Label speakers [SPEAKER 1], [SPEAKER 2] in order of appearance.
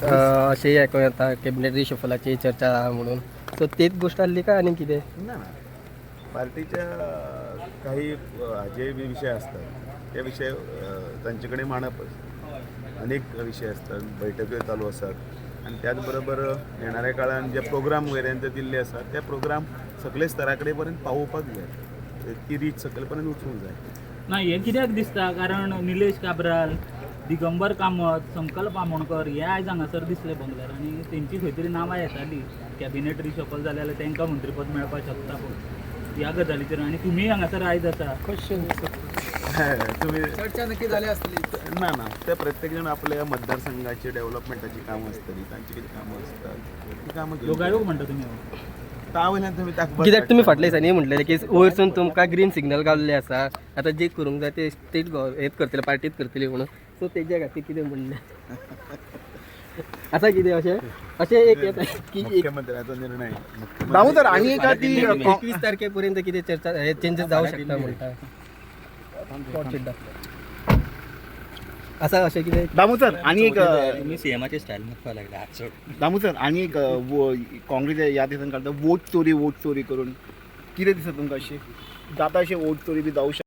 [SPEAKER 1] अशेंय आयकूं येता कॅबिनेट रिशफलाची चर्चा आहा म्हणून, सो तेच गोष्ट आसली काय आनी कितें?
[SPEAKER 2] ना ना पार्टीच्या काही जे विषय असतात त्या विषय तांचे मांडपच अनेक विषय असतात, बैठकी चालू असतात आणि त्याचबरोबर येणाऱ्या काळात जे प्रोग्राम वगैरे दिल्ले असतात त्या प्रोग्राम सगळे स्तराकडे पर्यंत पावोवपाक जाय, ती रीच सकयल वचूंक जाय.
[SPEAKER 3] ना हे कित्याक दिसता कारण निलेश काब्राल, दिगंबर कामत, संकल्प आमोणकर हे आयज हांगासर दिसले बंगल्यार आनी तेंची खंय तरी नांवां येताली कॅबिनेट रिशफल जालें जाल्यार तांकां मंत्रीपद मेळपाक शकता पूण ह्या गजालीचेर आनी तुमी हांगासर आयज आसा
[SPEAKER 1] क्वेश्चन
[SPEAKER 2] तुम्ही
[SPEAKER 4] चर्चा नक्की झाली असतली.
[SPEAKER 2] ना ना ते प्रत्येक जण आपल्या मतदारसंघाची डेव्हलपमेंटाची कामं असतली, तांची किती कामं असतात ती कामं घेऊन
[SPEAKER 3] योगायोग म्हणटा तुमी
[SPEAKER 2] तावयल्यान तुमी ताकद
[SPEAKER 1] कित्याक तुमी फाटल्या दिसांनी म्हटलेलें की वयरसून तुमकां ग्रीन सिग्नल गावल्ले आसा, आतां जे करूंक जाय ते स्टेट हेच करतले पार्टीच करतली म्हणून, सो तेज्या खातीर कितें म्हणलें आतां कितें अशें एक येता की एक
[SPEAKER 2] मुख्यमंत्र्याचा निर्णय
[SPEAKER 4] दामोदर आणि एका ती
[SPEAKER 1] 21 तारखेपर्यंत कितें चर्चा हे चेंजीस जावं शकता म्हणटा आसा अशें कितें?
[SPEAKER 4] दामोदर आणि एक
[SPEAKER 5] तुम्ही सीएमाचे स्टाईल मुखवा लागले हात सोड.
[SPEAKER 4] दामोदर आणि एक काँग्रेस या दिसान काढता वोट चोरी करून कितें दिसता तुमकां अशें जाता अशें वोट चोरी बी जावं शकता?